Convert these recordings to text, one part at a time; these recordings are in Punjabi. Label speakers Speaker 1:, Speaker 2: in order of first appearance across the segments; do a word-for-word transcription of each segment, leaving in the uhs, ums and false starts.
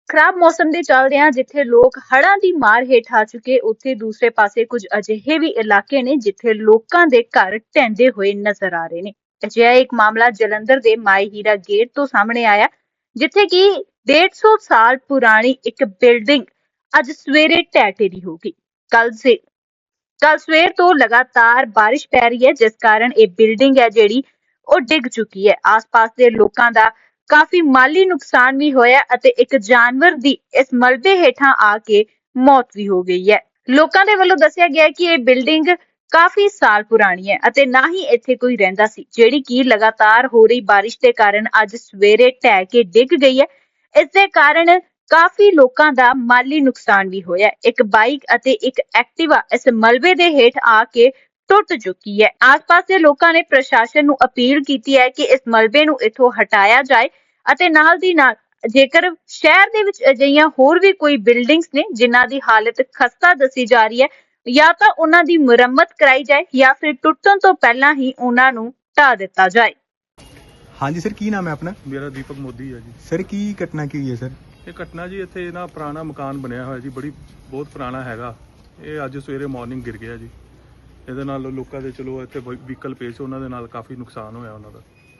Speaker 1: ਖਰਾਬ ਮੌਸਮ ਦੇ ਚੱਲਦਿਆਂ ਜਿੱਥੇ ਲੋਕ ਹੜ੍ਹਾਂ ਦੀ ਮਾਰ ਹੇਠ ਆ ਚੁੱਕੇ, ਉੱਥੇ ਦੂਸਰੇ ਪਾਸੇ ਕੁਝ ਅਜਿਹੇ ਵੀ ਇਲਾਕੇ ਨੇ ਜਿੱਥੇ ਲੋਕਾਂ ਦੇ ਘਰ ਢਹਿੰਦੇ ਹੋਏ ਨਜ਼ਰ ਆ ਰਹੇ ਨੇ। ਅਜਿਹਾ ਇੱਕ ਮਾਮਲਾ ਜਲੰਧਰ ਦੇ ਮਾਈ ਹੀਰਾ ਗੇਟ ਤੋਂ ਸਾਹਮਣੇ ਆਇਆ, ਜਿੱਥੇ ਕਿ ਡੇਢ ਸੌ ਸਾਲ ਪੁਰਾਣੀ ਇੱਕ ਬਿਲਡਿੰਗ ਅੱਜ ਸਵੇਰੇ ਢਹਿ ਢੇਰੀ ਹੋ ਗਈ। ਕੱਲ ਸੇ ਕੱਲ ਸਵੇਰ ਤੋਂ ਲਗਾਤਾਰ ਬਾਰਿਸ਼ ਪੈ ਰਹੀ ਹੈ, ਜਿਸ ਕਾਰਨ ਇਹ ਬਿਲਡਿੰਗ ਹੈ ਜਿਹੜੀ ਉਹ ਡਿੱਗ ਚੁੱਕੀ ਹੈ। ਆਸ-ਪਾਸ ਦੇ ਲੋਕਾਂ ਦਾ ਕਾਫੀ ਮਾਲੀ ਨੁਕਸਾਨ ਵੀ ਹੋਇਆ ਅਤੇ ਇੱਕ ਜਾਨਵਰ ਦੀ ਇਸ ਮਲਬੇ ਹੇਠਾਂ ਆ ਕੇ ਮੌਤ ਵੀ ਹੋ ਗਈ ਹੈ। ਲੋਕਾਂ ਦੇ ਵੱਲੋਂ ਦੱਸਿਆ ਗਿਆ ਕਿ ਇਹ ਬਿਲਡਿੰਗ ਕਾਫੀ ਸਾਲ ਪੁਰਾਣੀ ਹੈ ਅਤੇ ਨਾ ਹੀ ਇੱਥੇ ਕੋਈ ਰਹਿੰਦਾ ਸੀ, ਜਿਹੜੀ ਕਿ ਲਗਾਤਾਰ ਹੋ ਰਹੀ ਬਾਰਿਸ਼ ਦੇ ਕਾਰਨ ਅੱਜ ਸਵੇਰੇ ਢਹਿ ਕੇ ਡਿੱਗ ਗਈ ਹੈ। ਇਸ ਦੇ ਕਾਰਨ ਕਾਫੀ ਲੋਕਾਂ ਦਾ ਮਾਲੀ ਨੁਕਸਾਨ ਵੀ ਹੋਇਆ। ਇੱਕ ਬਾਈਕ ਅਤੇ ਇੱਕ ਐਕਟਿਵਾ ਇਸ ਮਲਬੇ ਦੇ ਹੇਠ ਆ ਕੇ ਟੁੱਟ ਚੁੱਕੀ ਹੈ। ਆਸ-ਪਾਸ ਦੇ ਲੋਕਾਂ ਨੇ ਪ੍ਰਸ਼ਾਸਨ ਨੂੰ ਅਪੀਲ ਕੀਤੀ ਹੈ ਕਿ ਇਸ ਮਲਬੇ ਨੂੰ ਇੱਥੋਂ ਹਟਾਇਆ ਜਾਏ ਅਤੇ ਨਾਲ ਦੀ ਨਾਲ ਜੇਕਰ ਸ਼ਹਿਰ ਦੇ ਵਿੱਚ ਅਜਿਹੀਆਂ ਹੋਰ ਵੀ ਕੋਈ ਬਿਲਡਿੰਗਸ ਨੇ ਜਿਨ੍ਹਾਂ ਦੀ ਹਾਲਤ ਖਸਤਾ ਦੱਸੀ ਜਾ ਰਹੀ ਹੈ, ਜਾਂ ਤਾਂ ਉਹਨਾਂ ਦੀ ਮੁਰੰਮਤ ਕਰਾਈ ਜਾਏ ਜਾਂ ਫਿਰ ਟੁੱਟਣ ਤੋਂ ਪਹਿਲਾਂ ਹੀ ਉਹਨਾਂ ਨੂੰ ਢਾਹ ਦਿੱਤਾ ਜਾਏ।
Speaker 2: ਹਾਂਜੀ ਸਰ, ਕੀ ਨਾਮ ਹੈ ਆਪਣਾ?
Speaker 3: ਮੇਰਾ ਦੀਪਕ ਮੋਦੀ ਹੈ ਜੀ।
Speaker 2: ਸਰ ਕੀ ਘਟਨਾ ਕੀ ਹੋਈ ਹੈ ਸਰ?
Speaker 3: ਇਹ ਘਟਨਾ ਜੀ ਇੱਥੇ ਨਾ ਪੁਰਾਣਾ ਮਕਾਨ ਬਣਿਆ ਹੋਇਆ ਜੀ, ਬੜੀ ਬਹੁਤ ਪੁਰਾਣਾ ਹੈਗਾ। ਇਹ ਅੱਜ ਸਵੇਰੇ ਮਾਰਨਿੰਗ ਗਿਰ ਗਿਆ ਜੀ। ਇਹਦੇ ਨਾਲ ਲੋਕਾਂ ਦੇ ਚਲੋ ਇੱਥੇ ਵਹੀਕਲ ਪੇਸ਼ ਉਹਨਾਂ ਦੇ ਨਾਲ ਕਾਫੀ ਨੁਕਸਾਨ ਹੋਇਆ ਉਹਨਾਂ ਦਾ।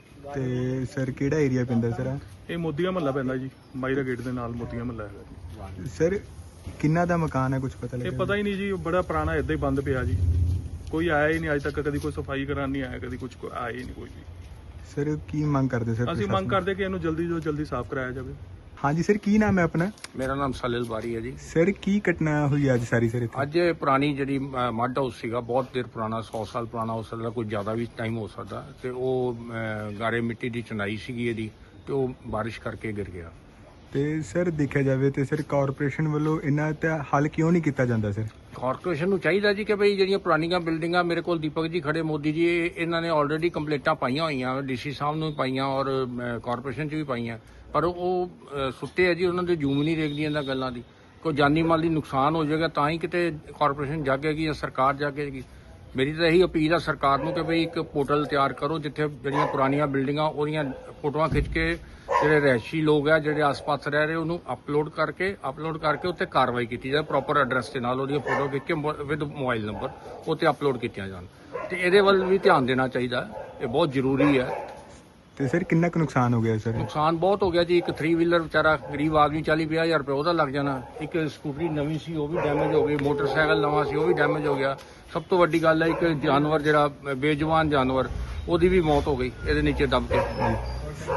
Speaker 2: ਤੇ ਸਰ ਕਿਹੜਾ ਏਰੀਆ ਪੈਂਦਾ ਸਰ?
Speaker 3: ਇਹ ਮੋਦੀਆ ਮਹੱਲਾ ਪੈਂਦਾ ਜੀ, ਮਾਈਰਾ ਗੇਟ ਦੇ ਨਾਲ ਮੋਦੀਆ ਮਹੱਲਾ ਹੈਗਾ ਜੀ।
Speaker 2: ਸਰ ਕਿੰਨਾ ਦਾ ਮਕਾਨ ਹੈ, ਕੁਝ ਪਤਾ ਲੱਗਿਆ?
Speaker 3: ਇਹ ਪਤਾ ਹੀ ਨਹੀਂ ਜੀ, ਬੜਾ ਪੁਰਾਣਾ ਏਦਾਂ ਹੀ ਬੰਦ ਪਿਆ ਜੀ। ਕੋਈ ਆਇਆ ਹੀ ਨਹੀਂ ਅੱਜ ਤੱਕ, ਕਦੀ ਕੋਈ ਸਫਾਈ ਕਰਾਉਣ ਨਹੀਂ ਆਇਆ, ਕਦੀ ਕੁਝ ਆਇਆ ਹੀ ਨਹੀਂ ਕੋਈ ਵੀ।
Speaker 2: ਸਰ ਕੀ ਮੰਗ ਕਰਦੇ ਸਰ?
Speaker 3: ਅਸੀਂ ਮੰਗ ਕਰਦੇ ਕਿ ਇਹਨੂੰ ਜਲਦੀ ਤੋਂ ਜਲਦੀ ਸਾਫ਼ ਕਰਾਇਆ ਜਾਵੇ।
Speaker 2: ਹਾਂਜੀ ਸਰ, ਕੀ ਨਾਮ ਹੈ ਆਪਣਾ?
Speaker 4: ਮੇਰਾ ਨਾਮ ਸਲੀਲ ਬਾਰੀ ਹੈ ਜੀ।
Speaker 2: ਸਰ ਕੀ ਘਟਨਾ ਹੋਈ ਅੱਜ ਸਾਰੀ ਸਰ ਇੱਥੇ?
Speaker 4: ਅੱਜ ਇਹ ਪੁਰਾਣੀ ਜਿਹੜੀ ਅ, ਮੱਡ ਹਾਊਸ ਸੀਗਾ, ਬਹੁਤ ਦੇਰ ਪੁਰਾਣਾ, ਸੌ ਸਾਲ ਪੁਰਾਣਾ ਹੋ ਸਕਦਾ, ਕੋਈ ਜ਼ਿਆਦਾ ਵੀ ਟਾਈਮ ਹੋ ਸਕਦਾ, ਤੇ ਉਹ ਅ, ਗਾਰੇ ਮਿੱਟੀ ਦੀ ਚੁਨਾਈ ਸੀਗੀ ਇਹਦੀ, ਤੇ ਉਹ ਬਾਰਿਸ਼ ਕਰਕੇ ਗਿਰ ਗਿਆ।
Speaker 2: ਤੇ ਸਰ ਦੇਖਿਆ ਜਾਵੇ ਤੇ ਸਰ ਕਾਰਪੋਰੇਸ਼ਨ ਵੱਲੋਂ ਇਹਨਾਂ ਦਾ ਹੱਲ ਕਿਉਂ ਨਹੀਂ ਕੀਤਾ ਜਾਂਦਾ ਸਰ?
Speaker 4: ਕਾਰਪੋਰੇਸ਼ਨ ਨੂੰ ਚਾਹੀਦਾ ਜੀ ਕਿ ਭਈ ਜਿਹੜੀਆਂ ਪੁਰਾਣੀਆਂ ਬਿਲਡਿੰਗਾਂ, ਮੇਰੇ ਕੋਲ ਦੀਪਕ ਜੀ ਖੜੇ, ਮੋਦੀ ਜੀ, ਇਹ- ਇਹਨਾਂ ਨੇ ਆਲਰੇਡੀ ਕੰਪਲੇਂਟਾਂ ਪਾਈਆਂ ਹੋਈਆਂ, ਡੀਸੀ ਸਾਹਿਬ ਨੂੰ ਵੀ ਪਾਈਆਂ ਔਰ ਕਾਰਪੋਰੇਸ਼ਨ 'ਚ ਵੀ ਪਾਈਆਂ, ਪਰ ਉਹ ਅ, ਸੁੱਤੇ ਆ ਜੀ, ਉਹਨਾਂ ਦੇ ਜੂਮ ਨਹੀਂ ਦੇਖਦੀ ਇਹਨਾਂ ਗੱਲਾਂ ਦੀ। ਕੋਈ ਜਾਨੀ ਮਾਲੀ ਨੁਕਸਾਨ ਹੋ ਜਾਏਗਾ ਤਾਂ ਹੀ ਕਿਤੇ ਕਾਰਪੋਰੇਸ਼ਨ ਜਾਗੇਗੀ ਜਾਂ ਸਰਕਾਰ ਜਾਗੇਗੀ। ਮੇਰੀ ਤਾਂ ਇਹੀ ਅਪੀਲ ਆ ਸਰਕਾਰ ਨੂੰ ਕਿ ਭਈ ਇੱਕ ਪੋਰਟਲ ਤਿਆਰ ਕਰੋ ਜਿੱਥੇ ਜਿਹੜੀਆਂ ਪੁਰਾਣੀਆਂ ਬਿਲਡਿੰਗਾਂ ਉਹਦੀਆਂ ਫੋਟੋਆਂ ਖਿੱਚ ਕੇ ਜਿਹੜੇ ਰਹਿਸ਼ੀ ਲੋਕ ਆ, ਜਿਹੜੇ ਆਸ-ਪਾਸ ਰਹਿ ਰਹੇ, ਉਹਨੂੰ ਅਪਲੋਡ ਕਰਕੇ ਅਪਲੋਡ ਕਰਕੇ ਉੱਤੇ ਕਾਰਵਾਈ ਕੀਤੀ ਜਾਏ, ਪ੍ਰੋਪਰ ਐਡਰੈਸ ਦੇ ਨਾਲ ਉਹਦੀਆਂ ਫੋਟੋ ਖਿੱਚ ਕੇ ਵਿਦ ਮੋਬਾਈਲ ਨੰਬਰ ਉੱਤੇ ਅਪਲੋਡ ਕੀਤੀਆਂ ਜਾਣ। ਤੇ ਇਹਦੇ ਵੱਲ ਵੀ ਧਿਆਨ ਦੇਣਾ ਚਾਹੀਦਾ, ਇਹ ਬਹੁਤ ਜ਼ਰੂਰੀ ਹੈ।
Speaker 2: ਤੇ ਸਰ ਕਿੰਨਾ ਕੁ ਨੁਕਸਾਨ ਹੋ ਗਿਆ ਸਰ?
Speaker 4: ਨੁਕਸਾਨ ਬਹੁਤ ਹੋ ਗਿਆ ਜੀ। ਇੱਕ ਥ੍ਰੀ ਵੀਲਰ ਵਿਚਾਰਾ ਗਰੀਬ ਆਦਮੀ ਚਾਲੀ ਪੰਜਾਹ ਹਜ਼ਾਰ ਰੁਪਏ ਉਹਦਾ ਲੱਗ ਜਾਣਾ। ਇੱਕ ਸਕੂਟਰੀ ਨਵੀਂ ਸੀ ਉਹ ਵੀ ਡੈਮੇਜ ਹੋ ਗਈ, ਮੋਟਰਸਾਈਕਲ ਨਵਾਂ ਸੀ ਉਹ ਵੀ ਡੈਮੇਜ ਹੋ ਗਿਆ। ਸਭ ਤੋਂ ਵੱਡੀ ਗੱਲ ਹੈ ਇੱਕ ਜਾਨਵਰ ਜਿਹੜਾ ਬੇਜਵਾਨ ਜਾਨਵਰ, ਉਹਦੀ ਵੀ ਮੌਤ ਹੋ ਗਈ ਇਹਦੇ ਨੀਚੇ ਦਬ ਕੇ।